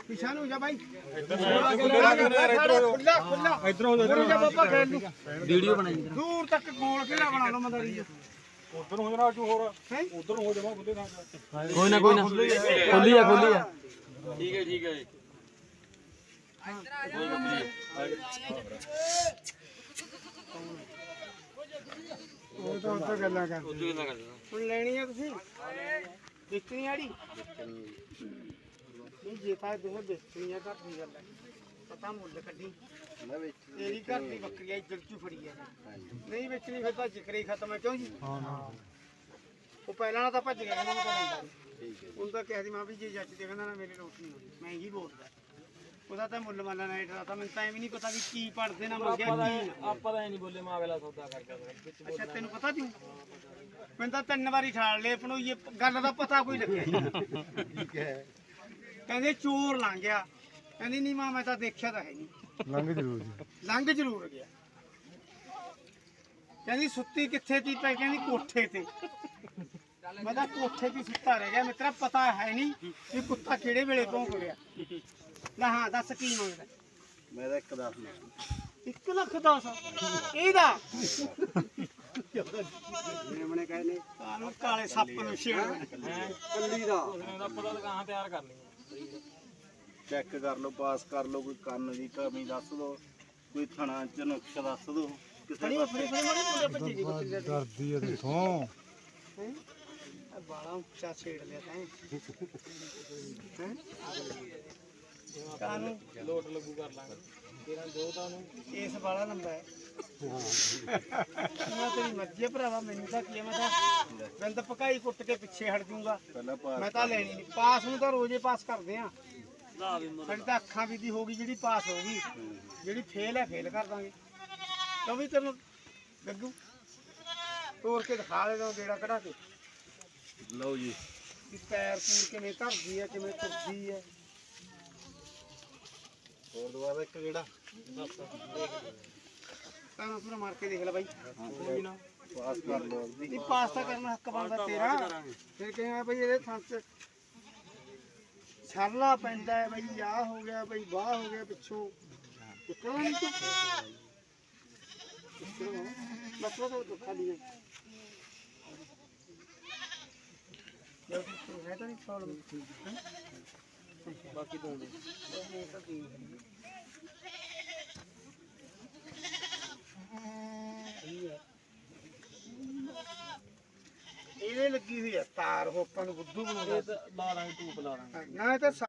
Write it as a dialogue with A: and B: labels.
A: ਪਿਛਾ ਨੂੰ ਜਾ ਬਾਈ
B: ਵੀਡੀਓ ਬਣਾਈ
A: ਦੂਰ ਤੱਕ ਗੋਲ ਕਿਹੜਾ ਬਣਾ ਲਓ ਮਦਾਰੀ
C: ਉਧਰ ਹੋ ਜਾਣਾ ਤੂੰ ਹੋਰ ਉਧਰ ਹੋ ਜਾਵਾਂ ਬੁੱਲੇ ਥਾਂ
B: ਕੋਈ ਨਾ ਖੋਲੀ ਆ
D: ਠੀਕ ਹੈ ਜੀ
A: ਉਹ ਤਾਂ ਉੱਥੇ ਗੱਲਾਂ ਕਰ ਹੁਣ ਲੈਣੀ ਆ ਤੁਸੀਂ ਵੇਚਣੀ ਆੜੀ ਨਹੀਂ ਜੇ ਤਾਂ ਦੇਖ ਵੇਚਣੀ ਆ ਘਰ ਦੀ ਗੱਲ ਹੈ ਪਤਾ ਮੁੱਲ ਕੱਢੀ ਤੇਰੀ ਘਰ ਦੀ ਬੱਕਰੀ ਆ ਇੱਧਰ ਚੋਂ ਫੜੀ ਆ ਨਹੀਂ ਵੇਚਣੀ ਫਿਰ ਤਾਂ ਜ਼ਿਕਰ ਹੀ ਖਤਮ ਹੈ ਕਿਉਂ ਜੀ ਉਹ ਪਹਿਲਾਂ ਨਾਲ ਤਾਂ ਭੱਜ ਗਿਆ ਕਹਿੰਦਾ ਮੈਂ ਤਾਂ ਲੈਂਦਾ ਹੁਣ ਤਾਂ ਕਹਿ ਦੀ ਮਾਂ ਵੀ ਜੇ ਜੱਜ ਦੇ ਕਹਿੰਦਾ ਨਾ ਮੇਰੀ ਰੋਟੀ ਨਹੀਂ ਹੋਣੀ ਮੈਂ ਹੀ ਬੋਲਦਾ ਉਹਦਾ ਤਾਂ ਮੁੱਲ ਮਾਲਾ ਨਾ ਡਰਾ ਤਾਂ ਮੈਨੂੰ ਤਾਂ ਐਵੇਂ ਨਹੀਂ ਪਤਾ ਵੀ ਕੀ ਪੜਦੇ ਨਾ ਮੰਗਿਆ ਕੀ
B: ਆਪਾਂ ਤਾਂ ਨਹੀਂ ਬੋਲੇ ਮਾਂ ਅਗਲਾ ਸੌਦਾ ਕਰਦਾ
A: ਅੱਛਾ ਤੈਨੂੰ ਪਤਾ ਤੂੰ ਮੈਨੂੰ ਤਾਂ 3 ਵਾਰੀ ਠਾਲ ਲਏ ਪਣੋਈਏ ਗੱਲ ਦਾ ਪਤਾ ਕੋਈ ਲੱਗਿਆ ਠੀਕ ਹੈ ਕਹਿੰਦੇ ਚੋਰ ਲੰਘ ਗਿਆ ਕਹਿੰਦੀ ਨਹੀਂ ਮਾਂ ਮੈਂ ਤਾਂ ਦੇਖਿਆ ਤਾਂ ਹੈ ਨਹੀਂ ਲੰਘ ਜ਼ਰੂਰ ਗਿਆ ਕਹਿੰਦੀ ਸੁੱਤੀ ਕਿੱਥੇ ਤੀ ਪਈ ਕਹਿੰਦੀ ਕੋਠੇ ਤੇ ਮੈਂ ਤਾਂ ਕੋਠੇ ਤੇ ਸੁੱਤਾ ਰਹਿ ਗਿਆ ਮਿੱਤਰਾ ਪਤਾ ਹੈ ਨਹੀਂ ਕਿ ਕੁੱਤਾ ਕਿਹੜੇ ਵੇਲੇ ਭੌਂਕ ਗਿਆ ਲੈ ਹਾਂ ਦੱਸ ਕੀ ਮੰਗਦਾ
C: ਮੈਂ ਤਾਂ 1 10
A: 1 ਲੱਖ 10 ਇਹਦਾ
C: ਮੇਮਣੇ ਕਹੇ ਨੇ
A: ਕਾਨੂੰ ਕਾਲੇ ਸੱਪ ਨੂੰ ਛੇੜ
C: ਕੱਲੀ ਦਾ
B: ਉਹਦਾ ਪਤਾ ਲਗਾਹਾਂ ਤਿਆਰ ਕਰ ਲਈ
C: ਚੈੱਕ ਕਰ ਲਓ ਪਾਸ ਕਰ ਲਓ ਕੋਈ ਕੰਨ ਦੀ ਕਮੀ ਦੱਸ ਦਿਓ ਕੋਈ ਥਣਾ ਚ ਨੁਕਸ ਦੱਸ ਦਿਓ ਕਿਸੇ
A: ਫੜੀ ਮਾਰੇ ਭੱਜੀ ਦੀ ਬੱਕਰੀ ਦਾ
C: ਡਰਦੀ ਆ ਤੂੰ
A: ਬਾਲਾ ਉੱਚਾ ਛੇੜ ਲਿਆ ਤੈਂ ਕਾਨੂੰ
B: ਲੋਟ ਲੱਗੂ ਕਰ ਲਾਂਗੇ ਤੇਰਾ ਜੋ ਤਾਂ ਨੂੰ
A: ਇਸ ਬਾਲਾ ਲੰਬਾ ਹੈ ਮੈਂ ਤੇਰੀ ਮਰਜ਼ੀ ਭਰਾਵਾ ਮੈਨੂੰ ਤਾਂ ਕੀ ਮੈਂ ਤਾਂ ਬਿੰਦ ਪਕਾਈ ਕੁੱਟ ਕੇ ਪਿੱਛੇ ਹਟ ਜੂੰਗਾ
C: ਪਹਿਲਾਂ ਪਾਸ
A: ਮੈਂ ਤਾਂ ਲੈਣੀ ਨਹੀਂ ਪਾਸ ਨੂੰ ਤਾਂ ਰੋਜ਼ੇ ਪਾਸ ਕਰਦੇ ਆ ਸਾਡੀ ਤਾਂ ਅੱਖਾਂ ਵੀ ਦੀ ਹੋ ਗਈ ਜਿਹੜੀ ਪਾਸ ਹੋ ਗਈ ਜਿਹੜੀ ਫੇਲ ਹੈ ਫੇਲ ਕਰ ਦਾਂਗੇ ਕਿਉਂ ਵੀ ਤੈਨੂੰ ਗੱਗੂ ਤੋੜ ਕੇ ਦਿਖਾ ਦੇ ਦੋ ਗੇੜਾ ਕਢਾ ਕੇ
C: ਲਓ ਜੀ
A: ਕਿ ਪੈਰ ਪੂਰ ਕਿਵੇਂ ਧਰਦੀ ਹੈ ਕਿਵੇਂ ਤੁਰਦੀ ਹੈ
C: ਹੋਰ ਦੁਬਾਰਾ ਇੱਕ ਕਿਹੜਾ
A: ਤਾਂ ਪੂਰਾ ਮਾਰ ਕੇ ਦੇਖ ਲੈ ਬਾਈ ਕੋਈ ਨਾ
C: ਪਾਸ ਕਰ ਲਓ
A: ਨਹੀਂ ਪਾਸ ਤਾਂ ਕਰਨਾ ਹੱਕ ਬਣਦਾ ਤੇਰਾ ਫਿਰ ਕਿਹਾ ਬਈ ਇਹਦੇ ਥਾਂ ਚ ਛਰਲਾ ਪੈਂਦਾ ਹੈ ਬਈ ਆਹ ਹੋ ਗਿਆ ਬਈ ਵਾਹ ਹੋ ਗਿਆ ਪਿੱਛੋਂ ਕਿੱਥੋਂ ਨਹੀਂ ਮਤਲਬ ਤਾਂ ਖਾਲੀ ਹੈ ਹੈ ਤਾਂ ਨਹੀਂ ਪ੍ਰੋਬਲਮ
B: ਬਾਕੀ ਤੋਂ ਦੇ
A: ਇਹਦੇ ਲੱਗੀ ਹੋਈ ਹੈ ਤਾਰ ਉਹ ਆਪਾਂ ਨੂੰ ਬੁੱਧੂ ਬਣਾਉਂਦਾ
B: ਲਾ ਲਾਂਗੇ ਟੂਪ ਲਾ ਲਾਂਗੇ
A: ਨਾ ਇਹ ਤਾਂ